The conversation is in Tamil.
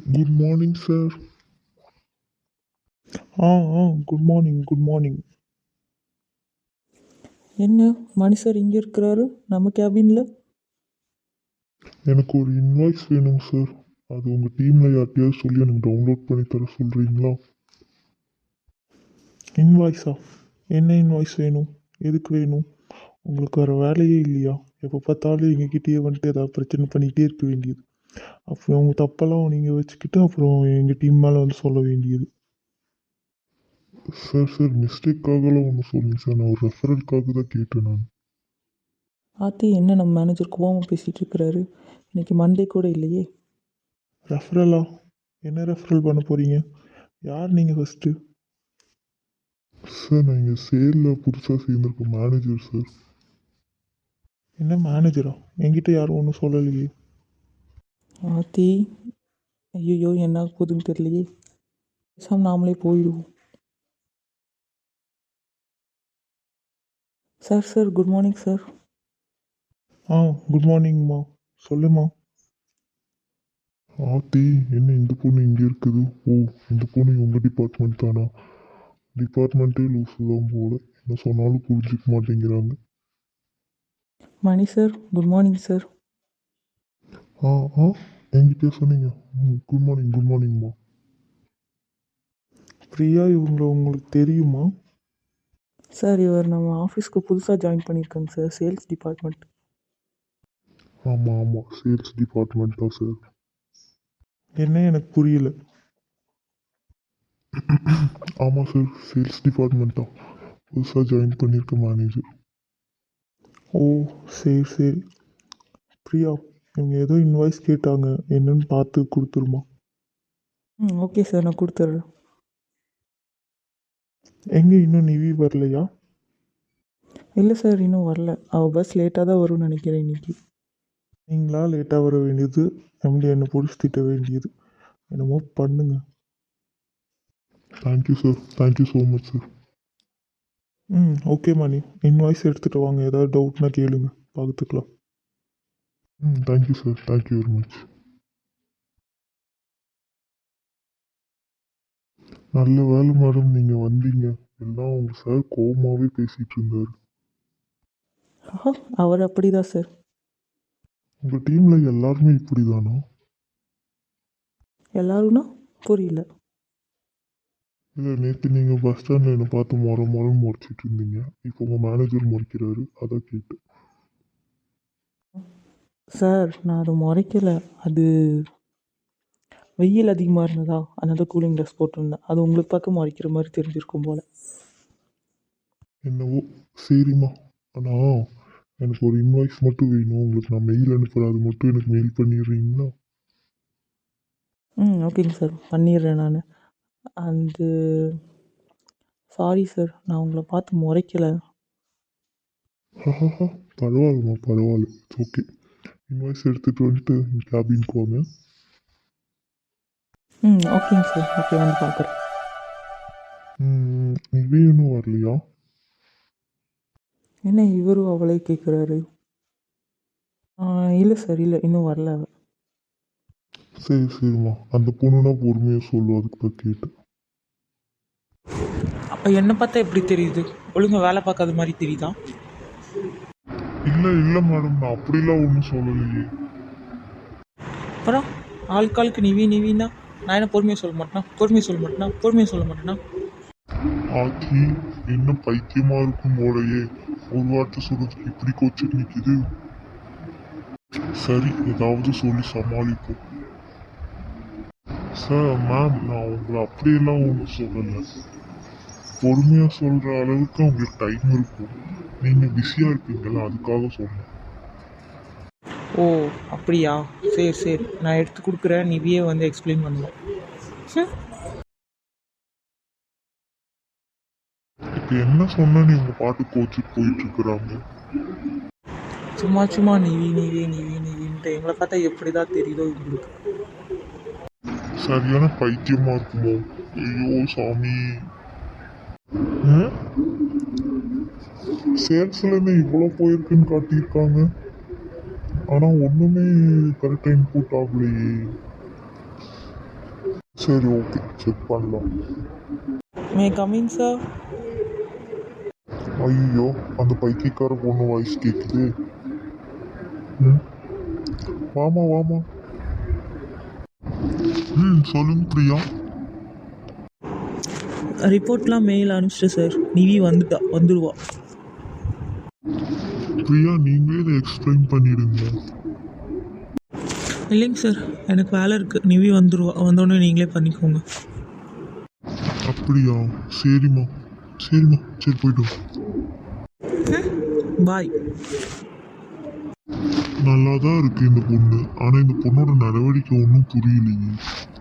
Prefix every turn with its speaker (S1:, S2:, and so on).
S1: Good morning sir. ஆ ஆ குட் மார்னிங் குட் மார்னிங்.
S2: என்ன மணி சார் இங்கே இருக்கிறாரு நம்ம கேபினில்?
S1: எனக்கு ஒரு இன்வாய்ஸ் வேணும் சார். அது உங்கள் டீமில் யார்கிட்டயாவது சொல்லி எனக்கு டவுன்லோட் பண்ணி தர சொல்கிறீங்களா? இன்வாய்ஸா? என்ன இன்வாய்ஸ் வேணும்? எதுக்கு வேணும்? உங்களுக்கு வேறு வேலையே இல்லையா? எப்போ பார்த்தாலும் எங்ககிட்டயே வந்துட்டு ஏதாவது பிரச்சனை பண்ணிக்கிட்டே இருக்க வேண்டியது. அப்புறம் உங்கள் தப்பெல்லாம் நீங்கள் வச்சுக்கிட்டு அப்புறம் எங்கள் டீம் மேலே வந்து சொல்ல வேண்டியது. சார் சார் மிஸ்டேக்காகலாம் ஒன்றும் சொல்லுங்க சார். நான் ஒரு ரெஃபரலுக்காக தான் கேட்டேன் நான்.
S2: ஆத்தி என்ன நம்ம மேனேஜர் கோவமாக பேசிகிட்டு இருக்கிறாரு? இன்னைக்கு மண்டே கூட இல்லையே.
S1: ரெஃபரலா? என்ன ரெஃபரல் பண்ண போகிறீங்க? யார் நீங்கள் ஃபஸ்ட்டு? சார் நான் இங்கே சேலில் புதுசாக சேர்ந்துருக்க மேனேஜர் சார். என்ன மேனேஜரா? என்கிட்ட யாரும் ஒன்றும் சொல்லலையே.
S2: ஆத்தி ஐயோ என்ன ஆக போகுதுன்னு தெரியலையே. பேசாமல் நாமளே போயிடுவோம். Sir sir good morning sir.
S1: ஆ குட் மார்னிங்மா. சொல்லுமா. ஆத்தி என்ன இந்த பொண்ணு இங்கே இருக்குது? ஓ, இந்த பொண்ணு உங்கள் டிபார்ட்மெண்ட் தானா? டிபார்ட்மெண்ட்டே லூஸு தான் போல. என்ன சொன்னாலும் புரிஞ்சிக்க மாட்டேங்கிறாங்க.
S2: Mani sir good morning sir.
S1: ஆ ஆ என்கிட்ட சொன்னீங்க. குட் மார்னிங் குட் மார்னிங்மா. பிரியா இவங்களை உங்களுக்கு தெரியுமா?
S2: சார் இவர் நம்ம ஆஃபீஸ்க்கு புதுசாக ஜாயின் பண்ணியிருக்காங்க சார், சேல்ஸ் டிபார்ட்மெண்ட்.
S1: ஆமாம் ஆமாம், சேல்ஸ் டிபார்ட்மெண்ட் தான் சார். என்ன எனக்கு புரியல. ஆமாம் சார், சேல்ஸ் டிபார்ட்மெண்ட் தான். புதுசாக ஜாயின் பண்ணியிருக்க மேனேஜர். ஓ சரி சரி. பிரியா இவங்க ஏதோ இன்வாய்ஸ் கேட்டாங்க, என்னன்னு பார்த்து கொடுத்துருமா.
S2: ஓகே சார் நான் கொடுத்துட்றேன்.
S1: எங்கே இன்னும் நிவி வரலையா?
S2: இல்லை சார் இன்னும் வரல, அவள் பஸ் லேட்டாக தான் வரும்னு நினைக்கிறேன் இன்னைக்கு.
S1: நீங்களா லேட்டாக வர வேண்டியது, எம்டி என்னை பிடிச்சி திட்ட வேண்டியது. என்னமோ பண்ணுங்க. Thank you sir, thank you so much sir. Okay Mani, invoice எடுத்துகிட்டு வாங்க, ஏதாவது டவுட்னா கேளுங்க, பார்த்துக்கலாம். Thank you sir, thank you very much. நல்ல வேலை மேடம் நீங்கள் வந்தீங்க. எல்லாம் உங்கள் சார் கோபமாகவே பேசிகிட்டு இருந்தார்.
S2: அவர் அப்படிதான் சார்.
S1: உங்கள் டீமில் எல்லாருமே இப்படி தானா?
S2: எல்லாரும்னா புரியல.
S1: இல்லை, நேற்று நீங்கள் பஸ் ஸ்டாண்டில் என்னை பார்த்து முறைன்னு முறைச்சிட்டு இருந்தீங்க. இப்போ உங்கள் மேனேஜர் முறைக்கிறாரு, அதான் கேட்டு.
S2: சார் நான் அதை முறைக்கலை, அது வெயில் அதிகமாக இருந்ததா அதனால கூலிங் ட்ரெஸ் போட்டிருந்தேன். அது உங்களுக்கு பார்க்க முறைக்கிற மாதிரி தெரிஞ்சிருக்கும் போல்.
S1: என்னவோ சரிம்மா. ஆனால் எனக்கு ஒரு இன்வாய்ஸ் மட்டும் வேணும். உங்களுக்கு நான் மெயில் அனுப்புகிறேன், அது மட்டும் எனக்கு மெயில் பண்ணிடுறீங்களா?
S2: ஓகேங்க சார் பண்ணிடுறேன் நான். அந்த சாரி சார் நான் உங்களை பார்த்து முறைக்கலை.
S1: பரவாயில்லம்மா பரவாயில்ல, ஓகே. இன்வாய்ஸ் எடுத்துகிட்டு வந்துட்டு கேபின்க்கு வாங்க.
S2: ஓகேங்க சார், ஓகே வந்து பார்க்குறேன்.
S1: நிவி இன்னும் வரலையா?
S2: என்ன இவரும் அவளே கேட்குறாரு? இல்லை சார், இல்லை இன்னும் வரல அவ.
S1: சரி சரிம்மா, அந்த பொண்ணுனா பொறுமையாக சொல்லும், அதுக்கு தான் கேட்டேன்.
S2: அப்போ என்னை பார்த்தா எப்படி தெரியுது? ஒழுங்காக வேலை பார்க்காத மாதிரி தெரியுதா?
S1: இல்லை இல்லை மேடம், நான் அப்படிலாம் ஒன்றும் சொல்லலையே.
S2: அப்புறம் ஆளுக்காளுக்கு நிவி நிவின்னா நான் என்ன பொறுமையாக சொல்ல மாட்டேனா? பொறுமையாக சொல்ல மாட்டேனா? பொறுமையாக சொல்ல மாட்டேனா?
S1: ஆச்சி என்ன பைத்தியமா இருக்கும் போலயே, ஒரு வார்த்தை சொல்றதுக்கு இப்படி கோச்சிட்டு நிற்கிது. சரி, ஏதாவது சொல்லி சமாளிப்போம். சார் மேம், நான் உங்களை அப்படியெல்லாம் ஒன்றும் சொல்லலை. பொறுமையாக சொல்கிற அளவுக்கு உங்களுக்கு டைம் இருக்கும். நீங்கள் பிஸியாக இருப்பீங்களா, அதுக்காக சொன்னேன்.
S2: ஓ அப்படியா, சரி சரி நான் எடுத்து கொடுக்குறேன், நிவியே வந்து எக்ஸ்பிளைன் பண்ணுவேன்.
S1: இப்போ என்ன சொன்னா நீங்க பாட்டு கோச்சிட்டு போயிட்டு இருக்கிறாங்க.
S2: சும்மா சும்மா நிவி நிவி நிவி நிவின்ட்டு எங்களை பார்த்தா எப்படி தான் தெரியுதோ உங்களுக்கு.
S1: சரியான பைத்தியமா இருக்குமோ? ஐயோ சாமி. சேல்ஸ்லேருந்து இவ்வளோ போயிருக்குன்னு காட்டியிருக்காங்க, ஆனால் ஒன்றுமே கரெக்டாக இன்புட் ஆகலையே. சரி ஓகே செக் பண்ணலாம்.
S2: May coming sir?
S1: ஐயோ அந்த பைத்தியக்கார பொண்ணு வாய்ஸ் கேட்குது. ம் வாமா வாமா. சொல்லுங்க பிரியா.
S2: ரிப்போர்ட்லாம் மெயில் அனுப்பிச்சிட்டு சார். நிவி வந்துடுவா.
S1: பிரியா நீங்களே இதை எக்ஸ்பிளைன் பண்ணிடுங்க.
S2: இல்லைங்க சார், எனக்கு வேலை இருக்குது. நிவி வந்துடுவா. வந்தோடனே நீங்களே பண்ணிக்கோங்க.
S1: அப்படியா? சரிம்மா சரிம்மா சரி போய்ட்டு
S2: பாய்.
S1: நல்லா தான் இருக்கு இந்த பொண்ணு, ஆனால் இந்த பொண்ணோட நடவடிக்கை ஒன்றும் புரியலையே.